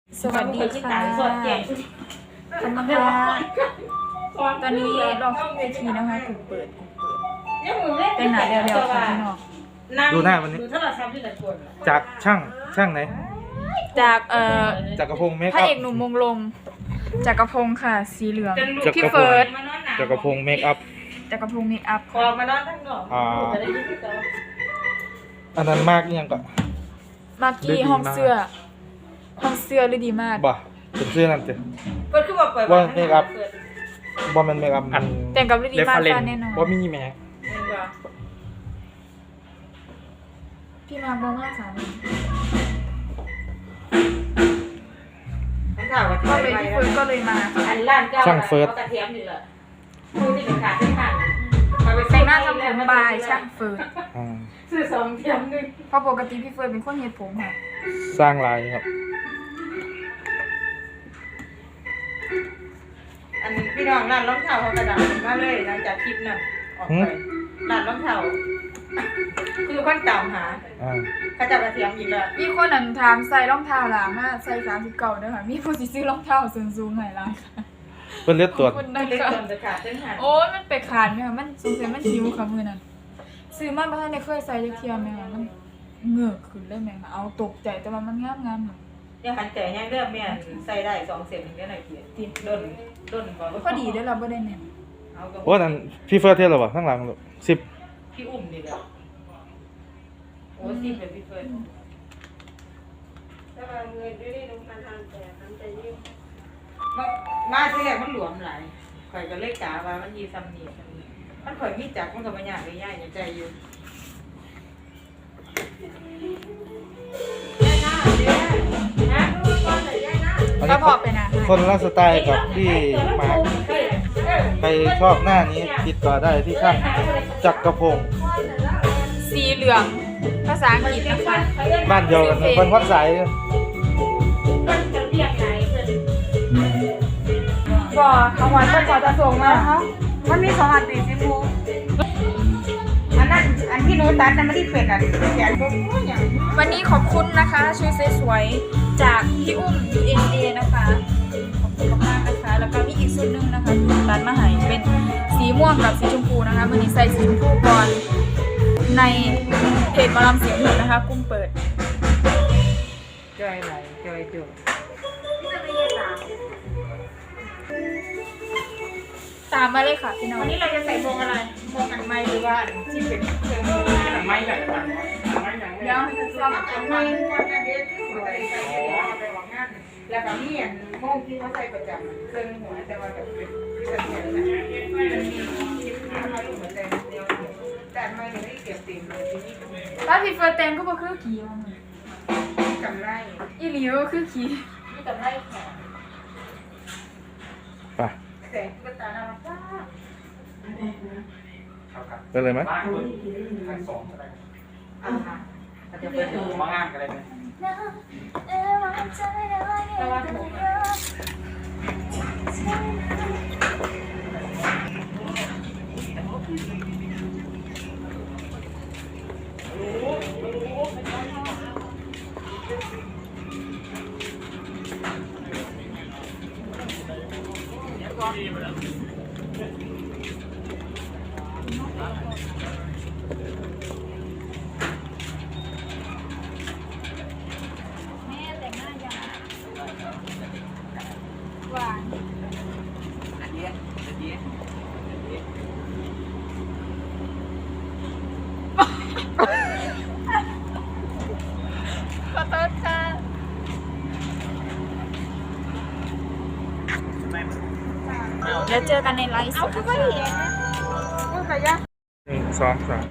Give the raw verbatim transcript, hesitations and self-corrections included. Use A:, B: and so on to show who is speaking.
A: สวัสดีค่ะขอบคุณค่ะตอนนี้ลองขึ้นเวทีนะคะถูกเปิดเป็นหนาเดียวๆค่ะพี่น้อง
B: ดูหน้าวันนี้จากช่างช่างไหน
A: จากเอ่อ
B: จากกระพงเมค
A: พระ
B: อัพ
A: เอกหนุ่มมงลมจากกระพงค่ะสีเหลือง
B: จาก
A: พี่
B: กระพง
A: เฟิร์ส
B: จากกระพงเมคอัพ
A: จากกระพงเมคอัพ
C: คอมานอนทั้งนอก
B: อ่าอันนั้นมากยังก็
A: มากกี้ห้องเสื้อห้องเสื้อฤดีมาก
B: บ่เป็นเสื้อนั่นจ้ะ
C: เปิดขึ้นมาเปิด
B: ว่าเมคอัพบอมเป็นเมคอัพอัน
A: แต่งกับฤดีมากค่ะแน่นอน
B: ว่ามีแม็ก
A: พี่มาบอกว่าสามี
C: ข่าว
A: ก็เลยพี่เฟิร์สก็เลยมา
C: อันล้านเก้ากระเทียมอยู่เลยดูที่เป็นขาดที่ขาด
A: แต่งหน้าทำผมบายช่างเฟิร์ส
B: อ่า
C: ซื้อสองเทียมหนึ่ง
A: เพราะปกติพี่เฟิร์สเป็นคนเฮ็ดผมค่ะ
B: สร้างลายครับ
C: อันพี่น้องร้านรองเท้าเขากระดาษมาเลยหลังจากคลิปนั้นออกไปร้านรองเท้าคือคนตามหา
B: อ่า
C: เขาจะกระเทียมอีกแล้ว
A: มีคนนั้นถามใส่รองเท้าหล่ะมาใส่สามสิบเก้าเด้อค่ะมีผู้สิซื้อรองเท้าสูงสูงๆให้ล่ะ
B: เพิ่นเลือดตรวจ
A: คุณ
C: ไม่
A: นะ
C: ได้
A: คะ
C: เติมจะขาดเส้นหา
A: โอ้ยมันไปขาดไหมคะมันสงสัยมันหิวค่ะมือนั้นซื้อมาบ่ทันได้เคยใส่จักเที่ยแม่มันเหงือกขึ้นเลยแม่ค่ะเอาตกใจแต่ว่ามันงามๆค่ะ
C: ยังหันใจยังเริ่มแม่ใส่ได้สองเซนถึงได้หน่อยเกียร์ติดด้นด้นบอก
A: พอดีเด้อเราบ่ได้แน่น
C: เอากับ
B: โอ้นั่นพี่เฟิร์สเทสหรอวะข้างหลังลูกสิบ
C: พี่อุ้มดีแล้วโอ้สิเป็นพี่เฟิร์นมาที่แรกมันหลวมหลายข่อยก็เลยกะว่ามันยีซัมนี่ซัมนี่มันข่อยมีจักมันก็บ่ยากเลยย่ายอย่าใจอยู่ย่ายหน้าเด้อนะก่อนเลยย่ายหน้า
B: อัน
A: ก็
B: นี้
A: พอไปนะ
B: คนละสไตล์กับที่มาร์คใครชอบหน้านี้ติดต่อได้ที่ช่างจักรพงศ์
A: สีเหลืองภาษาอังกฤษนะคะ
B: บ้านเดียวกันนะคนวัดสาย
C: มันจะเรียกไหนเพิ่น
A: ก็ทางวันเพิ่นก็จะส่งมาค่ะ
C: มันมีสองอันตีสิมูอันนั้นอันที่หนูตัดนั้นมันที่เป็ดอ่ะแขนบ่ฮู้หยัง
A: วันนี้ขอบคุณนะคะชุดสวยๆจากพี่อุ้ม ยู เอ็น เอ นะคะขอบคุณมากๆนะคะ แล้วก็มีอีกชุดหนึงนะคะที่ตัดมาให้เป็นสีม่วงกับสีชมพูนะคะวันนี้ใส่สีชมพูก่อนในเพจหมอลำเสียงหนึ่งนะคะกุ้งเปิด
C: จอยไหลจอยจุ
A: ตามมาเลยค่ะพี่น้อง
C: วันนี้เราจะใส่พวงอะไรพวงอันไม้หรือว่าที่เป็นเครื่องมืออันไม้แบบอันไม้อย่าง
A: เดี๋ยว
C: เราอันไม้วันนั้นเด็ดใส่ใส่ไปวางงานแล้วก็มีอันโม่งที่เขาใส่ประจำเครื่องหัวแต่ว่าแบบเป็นเส้นเส้นนะมันมีชิ้นมาลูกหัวใจเดียวแต่ไม่ได้เก็บติ่มเลยที่นี่
A: ถ้าพี่เฟิร์สเต็มก็บ่คือขี่ว่ามึง
C: กำไร
A: อีหลีก็คือขี่
C: ที่กำไรแขน
B: ไป
C: แสงก็ตาหน้าป้า
B: ไปเลยไหม
D: ขั้นสองก็ได้
C: อ่าอาจจะเป็น
D: มางานกันเลยไหม
C: แต่ว่าผม
A: แม่แต่งหน้ายาวหวาน
D: อันนี้อันนี้
A: ขอโทษค่ะ เดี๋ยวเจอกันในไลฟ์สดนะคะ
C: ก็ขยัน
B: หนึ่งสองสาม